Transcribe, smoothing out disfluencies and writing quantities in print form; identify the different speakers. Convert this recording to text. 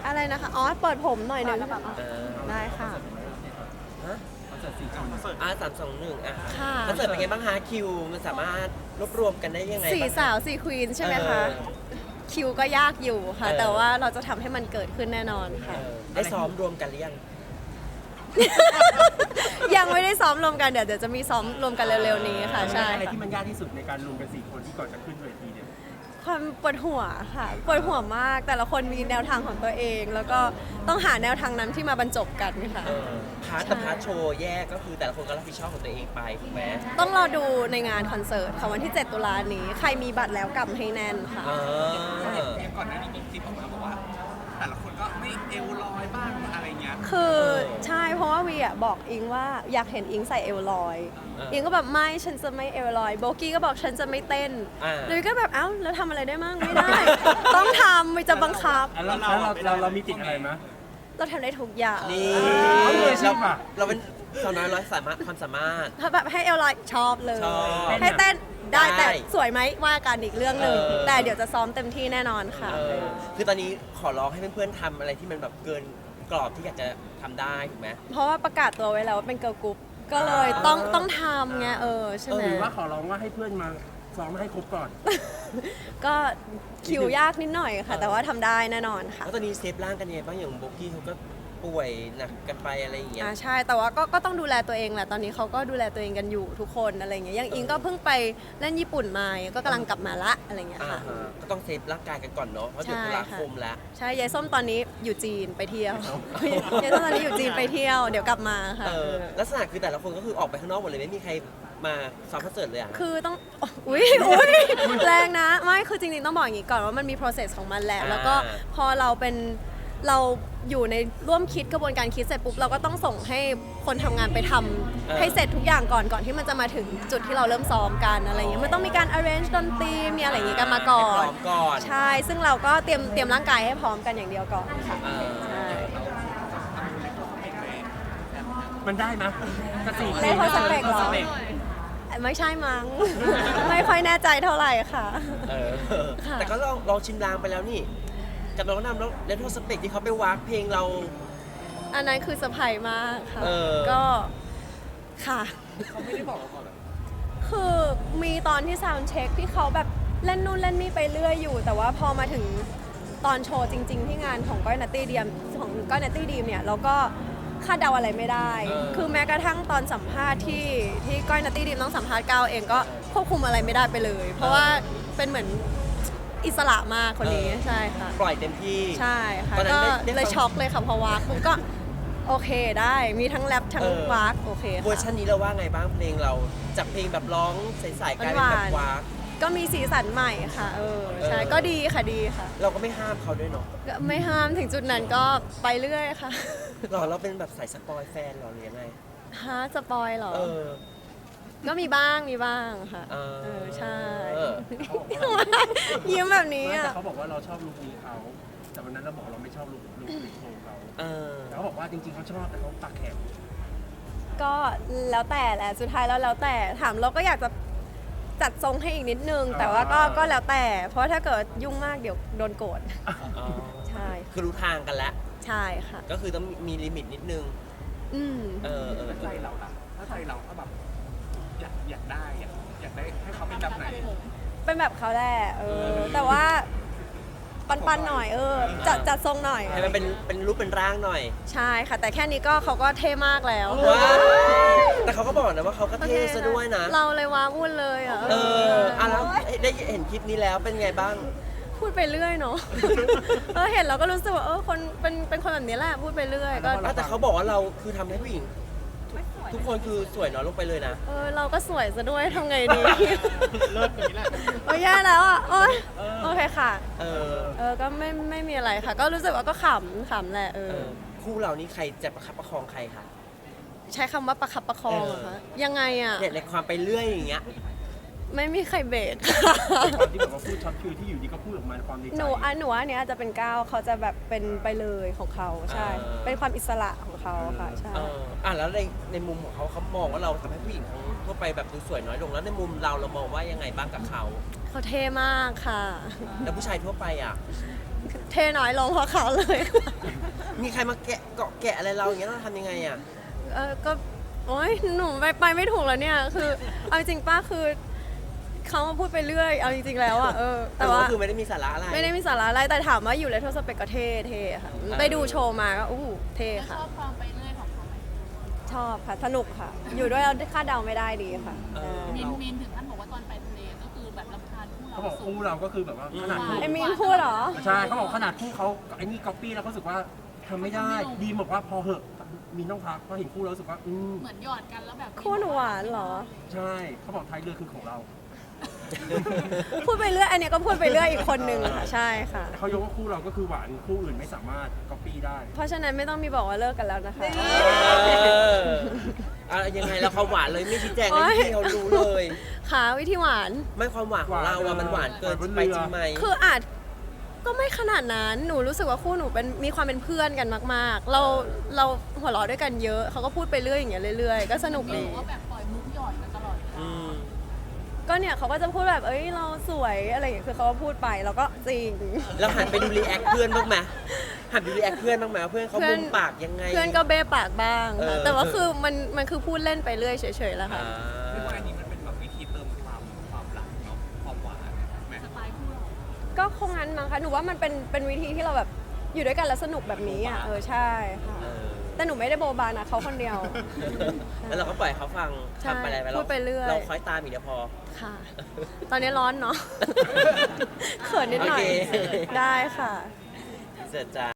Speaker 1: อะไรนะคะอ๋อเปิดผมหน่อยหนึง
Speaker 2: เออ
Speaker 1: ได้ค่ะ
Speaker 2: ฮะ3 2 1
Speaker 1: ค่ะ
Speaker 2: คอนเสิร์ตเป็นไงบ้างคะคิวมันสามารถรวบรวมกันได้ยังไง
Speaker 1: สี่
Speaker 2: บ้าง
Speaker 1: สาวสี่ควีนใช่ไหมคะ คิวก็ยากอยู่ค่ะ แต่ว่าเราจะทำให้มันเกิดขึ้นแน่นอนค่ะ
Speaker 2: ได้ซ้อมรวมกันหรือยัง
Speaker 1: ยังไม่ได้ซ้อมรวมกันเดี๋ยวจะมีซ้อมรวมกันเร็วๆนี้ค่ะ ใช่
Speaker 3: อะไรที่มันยากที่สุดในการรวมกัน4 คนที่ก่อนจะขึ้นเวทีเนี่ย
Speaker 1: ความปวดหัวค่ะปวดหัวมากแต่ละคนมีแนวทางของตัวเอง แล้วก็ต้องหาแนวทางนั้นที่มาบรรจบกันค่ะ
Speaker 2: พาร์ทกับพาร์ทโชว์แยกก็คือแต่ละคนก็รับผิดชอบของตัวเองไปถูกไหม
Speaker 1: ต้องรอดูในงานคอนเสิร์ตค่ะวันที่ 7 ตุลานี้ ใครมีบัตรแล้วกำให้แน่นค่ะ
Speaker 4: อย่างก่อนหน้านี้มีคลิปออกมาบอกว่า แต่ละคนก็ไม่เอวลอยบ้างอะไรเงี้ย
Speaker 1: คือใช่เพราะว่าวีอ่ะบอกอิงว่าอยากเห็นอิงใส่เอวลอย อิงก็แบบไม่ฉันจะไม่เอวลอยโบกี้ก็บอกฉันจะไม่เต้นเลยก็แบบเอ้าแล้วทำอะไรได้มั่งไม่ได้ ต้องทำไม่จะบังคับ
Speaker 3: เรามีติดอะไรไหม
Speaker 1: เราทำได้ทุกอย่าง
Speaker 2: นี่
Speaker 3: เอามืออาชีพอะ
Speaker 2: เราเป็นสาวน้อยร้อยสามารถความสามารถ
Speaker 1: ถ้าแบบให้เอวลอยชอบเลย
Speaker 2: ชอบ
Speaker 1: ให้เต้นได้
Speaker 2: ได้
Speaker 1: แต่สวยไหมว่ากันอีกเรื่องหนึ่ง
Speaker 2: เออ
Speaker 1: แต่เดี๋ยวจะซ้อมเต็มที่แน่นอนค่ะ
Speaker 2: คือตอนนี้ขอร้องให้เพื่อนๆทำอะไรที่มันแบบเกินกรอบที่อยากจะทำได้ถูกไหม
Speaker 1: เพราะว่าประกาศตัวไว้แล้วว่าเป็นเกิร์ลกรุ๊ปก็เลยต้องทำไงใช่ไหม
Speaker 3: หรือว่าขอร้องว่าให้เพื่อนมาซ้อมให้ครบก่อน
Speaker 1: ก็คิวยากนิดหน่อยค่ะ แต่ว่าทำได้แน่นอนค่ะ
Speaker 2: แล้วตอนนี้เซฟร่างกันยังไงบ้างอย่างโบกี้เขาก็ป่วยหนักกันไปอะไรอย่างเงี้ย
Speaker 1: ใช่แต่ว่าก็ต้องดูแลตัวเองแหละตอนนี้เขาก็ดูแลตัวเองกันอยู่ทุกคนอะไรเงี้ยอย่างอิงก็เพิ่งไปเล่นญี่ปุ่นมาก็กำลังกลับมาละอะไรเงี้ยค่ะ
Speaker 2: ก็ต้องเซฟร่างกายกันก่อนเนาะเพราะเดือน
Speaker 1: ใช่
Speaker 2: ตุลา
Speaker 1: ค่ะ
Speaker 2: คมแล้ว
Speaker 1: ใช่ยายส้มตอนนี้อยู่จีนไปเที่ยว ยายส้มตอนนี้อยู่จีนไปเที่ยวเดี๋ยวกลับมาค่ะ
Speaker 2: ลักษณะคือแต่ละคนก็คือออกไปข้างนอกหมดเลยไม่มีใครมาซ้อมคอนเสิร์ตเลยอ่ะ
Speaker 1: คือต้องอุ้ยแรงนะไม่คือจริงๆต้องบอกอย่างนี้ก่อนว่ามันมี process ของมันแหละแล้วก็พอเราอยู่ในร่วมคิดกระบวนการคิดเสร็จปุ๊บเราก็ต้องส่งให้คนทำงานไปทำให้เสร็จทุกอย่างก่อนที่มันจะมาถึงจุดที่เราเริ่มซ้อมกันอะไรเงี้ยมันต้องมีการ arrange ดนตรีมีอะไรอย่างงี้กันมาก่อน
Speaker 2: ให้พร้อมก่อน
Speaker 1: ใช่ซึ่งเราก็เตรียมร่างกายให้พร้อมกันอย่างเดียวก่อนค่ะใช่
Speaker 3: มันได้ไหมกระสี
Speaker 1: เล่นโทรสเปกเหรอไม่ใช่มั้ง ไม่ค่อยแน่ใจเท่าไหร่ค่ะ ค่ะ
Speaker 2: แต่ก็ลองชิมลางไปแล้วนี่กับน้องนำแล้วเลนโทสเปกที่เขาไปวากเพลงเรา
Speaker 1: อันนั้นคือเซอร์ไพรส์มากค่ะ ก็ค่ะเขาไม่ได้บอกเราก่อนคือมีตอนที่ซาวด์เช็คที่เขาแบบเล่นนู่นเล่นนี่ไปเรื่อยอยู่ แต่ว่าพอมาถึงตอนโชว์จริง ๆ ที่งานของก้อยนัตตี้ดีมเนี่ยเราก็คาดเดาอะไรไม่ได้ คือแม้กระทั่งตอนสัมภาษณ์ที่ก้อยนัตตี้ดีมต้องสัมภาษณ์ก้าวเองก็ควบคุมอะไรไม่ได้ไปเลย เพราะว่าเป็นเหมือนอิสระมากคนนี้ใช่ค่ะ
Speaker 2: ปล่อยเต็มที่
Speaker 1: ใช่ค่ะ
Speaker 2: ตอนนั้
Speaker 1: ก็
Speaker 2: นได้
Speaker 1: เลย
Speaker 2: ฟัง
Speaker 1: ช็อกเลยค่ะพอวากผมก็โอเคได้มีทั้งแรปทั้งวากโอเค
Speaker 2: เวอร์ชั
Speaker 1: ค่ะ
Speaker 2: นนี้เราว่าไงบ้างเพลงเราจากเพลงแบบร้องใสๆกลายเป็นแบบวาก
Speaker 1: ก็มีสีสันใหม่ค่ะใช่ก็ดีค่ะดีค่ะ
Speaker 2: เราก็ไม่ห้ามเขาด้วยเนาะ
Speaker 1: ก็ไม่ห้ามถึงจุดนั้นก็ไปเรื่อยค่ะ
Speaker 2: เราเป็นแบบสายสปอยแฟนเหรอหรือยังไง
Speaker 1: ฮะสปอยเหรอ
Speaker 2: เออ
Speaker 1: ก็มีบ้างค่ะ
Speaker 2: เออ
Speaker 1: ใช่
Speaker 2: เออ
Speaker 1: ยิ้มแบบนี้
Speaker 3: ไม่
Speaker 1: อ่ะ
Speaker 3: แต่เขาบอกว่าเราชอบลุคนี้เขาแต่วันนั้นเราบอกเราไม่ชอบลุคโชว์เขา
Speaker 2: เออ
Speaker 3: แต่เขาบอกว่าจริงๆเขาชอบแต่เขาปากแข็ง
Speaker 1: ก็แล้วแต่แหละสุดท้ายแล้วแต่ถามเราก็อยากจะจัดทรงให้อีกนิดนึง แต่ว่าก็แล้วแต่ เพราะถ้าเกิดยุ่งมากเดี๋ยวโดนโกรธ
Speaker 2: อ๋อ
Speaker 1: ใช่
Speaker 2: คือรู้ทางกันแล้ว
Speaker 1: ใช่ค่ะ
Speaker 2: ก็คือต้องมีลิมิตนิดนึง
Speaker 1: อืม
Speaker 2: เออ
Speaker 4: ใจเราล่ะถ้าใจเราก็แบบอยากได้ให้เขาเป็นแบบไหน
Speaker 1: เป็นแบบเขาแหละแต่ว่าปันๆหน่อยจัดทรงหน่อย
Speaker 2: ให้มันเป็นรูปเป็นร่างหน่อย
Speaker 1: ใช่ค่ะ แต่แค่นี้ก็เขาก็เท่มากแล้ว
Speaker 2: ว้าวแต่เขาก็บอกนะว่าเขาก็เท่ซะด้วยนะ
Speaker 1: เราเลยว้าวุ่นเลยอ่ะ
Speaker 2: แล้วได้เห็นคลิปนี้แล้วเป็นไงบ้าง
Speaker 1: พูดไปเรื่อยเนาะ เห็นเราก็รู้สึกว่าคนเป็นคนแบบนี้แหละพูดไปเรื่อยก็
Speaker 2: แต่เขาบอกว่าเราคือทำให้ผู้หญิงทุกคนคือสวยน้อยลงไปเลยนะ
Speaker 1: เราก็สวยซะด้วยทำไงดี
Speaker 4: เลิศอย่างนี้แหละ
Speaker 1: โอ้ยแย่แล้วอ่ะโอ้ยโอเคค่ะ
Speaker 2: เออ
Speaker 1: ก็ไม่มีอะไรค่ะ ก็รู้สึกว่าก็ขำแหละ
Speaker 2: คู่เรานี่ใครจะประคับประคองใครคะ
Speaker 1: ใช้คำว่าประคับประคองเหรอคะยังไงอ่ะ
Speaker 2: เนี่ยในความไปเรื่อยอย่างเงี้ย
Speaker 1: ไม่มีใครเบรก
Speaker 3: ความที่แบบว่าพูดช็อตคิวที่อยู่ดีก็พูดออกมาความดีใจ
Speaker 1: หนูว่าอันเนี้ยอาจจะเป็นก้าวเขาจะแบบเป็นไปเลยของเขาใช่ เป็นความอิสระของเขาค่ะใช่
Speaker 2: แล้วในมุมของเขามองว่าเราทำให้ผู้หญิงทั้งทั่วไปแบบดูสวยน้อยลงแล้วในมุมเรามองว่ายังไงบ้างกับเขา
Speaker 1: เขาเท่มากค่ะ
Speaker 2: แล้วผู้ชายทั่วไปอ่ะ
Speaker 1: เทน้อยลงเพราะเขาเลยค่ะ
Speaker 2: มีใครมาแกะเกาะแกะอะไรเราอย่างเงี้ยเราทำยังไงอ่ะ
Speaker 1: ก็โอ๊ยหนูไปไม่ถูกแล้วเนี่ยคือเอาจริงป้าคือเขามาพูดไปเรื่อยเอาจริงๆแล้วอ่ะแต่ว่า
Speaker 2: ก็คือไม่ได้มีสาระอะไร
Speaker 1: ไม่ได้มีสาระอะไรแต่ถามว่าอยู่เลโทสเปกก็เท่ค่ะไปดูโชว์มาก็เท่ค่ะ
Speaker 5: ชอบความไปเรื่อยของเขาไหม
Speaker 1: ชอบค่ะสนุกค่ะ อยู่ด้วยเราคาดเดาไม่ได้ดีค่ะ
Speaker 5: มินถึงขั้นบอกว่าตอนไปทะเลก็คือแบบรำคาญคู่เรา
Speaker 3: เขาบอก
Speaker 5: สุ
Speaker 3: คู่
Speaker 5: ด
Speaker 3: เราก็คือแบบว่าขนาดคู่
Speaker 1: ไอมีนพูดเหรอ
Speaker 3: ใช่เขาบอกขนาดคู่เขาไอ้นี่ก๊อปปี้แล้วเขารู้สึกว่าทำไม่ได้ดีบอกว่าพอเหอะมีต้องพักเพราะเห็นคู่เรารู้สึกว่า
Speaker 5: เหมือนหยอดกันแล้วแบบ
Speaker 1: คู่หนูหวานเหรอ
Speaker 3: ใช่เขาบอกท้ายเรือคือของเรา
Speaker 1: พูดไปเรื่อยอันเนี้ยก็พูดไปเรื่อยอีกคนนึงค่ะใช่ค่ะ
Speaker 3: แต่เขายกว่าคู่เราก็คือหวานคู่อื่นไม่สามารถก๊อปปี้ได้
Speaker 1: เพราะฉะนั้นไม่ต้องมีบอกว่าเลิกกันแล้วนะคะ
Speaker 2: อะไรยังไงแล้วความหวานเลยไม่ชี้แจง
Speaker 1: โอ๊
Speaker 2: ให้
Speaker 1: ย
Speaker 2: พี่เขารู้เลย
Speaker 1: ค่ะวิธีหวาน
Speaker 2: ไม่ความหวานของเราอะมันหวานเกินไปจริงไหม
Speaker 1: คืออาจก็ไม่ขนาดนั้น หนูรู้สึกว่าคู่หนูเป็นมีความเป็นเพื่อนกันมากๆ เราหัวเราะด้วยกันเยอะ เขาก็พูดไปเรื่อยอย่างเงี้ยเรื่อยๆ ก็สนุก
Speaker 5: หรื
Speaker 1: ดี
Speaker 5: อว่าแบบปล่อยมุกหยอดกันตลอดเวลา
Speaker 2: อืม
Speaker 1: ก็เนี่ยเขาก็จะพูดแบบเอ้ยเราสวยอะไรอย่างเงี้ย คือเขาก็พูดไปแล้วก็จริง
Speaker 2: แล้วหันไปดูรีแอคเพื่อนบ้างไหมหันไปดูรีแอคเพื่อนบ้างไหมว่าเพื่อนเขา
Speaker 1: เพื่
Speaker 2: มุ
Speaker 1: อน
Speaker 2: มปากยังไง
Speaker 1: เพื่อนก็เบ้ปากบ้าง
Speaker 2: เอ
Speaker 1: ค่ะ
Speaker 2: อ
Speaker 1: แต่ว่าคือมันคือพูดเล่นไปเรื่อยเฉยๆแล้วค่ะ
Speaker 2: อ่า
Speaker 4: เรียกว่าอันนี้มันเป็นแบบวิธีเติมความรักเนาะความหวานแม่
Speaker 5: สไตล์คู่เรา
Speaker 1: ก็คงงั้นมั้งคะ หนูว่ามันเป็นวิธีที่เราแบบอยู่ด้วยกันแล้วสนุกแบบนี้อ่ะ ใช่ค่ะ
Speaker 2: เออ
Speaker 1: แต่หนูไม่ได้โบบานะเขาคนเดียว
Speaker 2: แล้วเราก็ปล่อยเขาฟัง
Speaker 1: ใช่
Speaker 2: ทำไปอะไรไป
Speaker 1: พูดไปเรื่อย
Speaker 2: เราคอยตามอีกเดียวพอ
Speaker 1: ค่ะ ตอนนี้ร้อนเนาะ เขินนิดหน่อย
Speaker 2: โอเค
Speaker 1: ได้ค่ะ
Speaker 2: เสร็จจ้า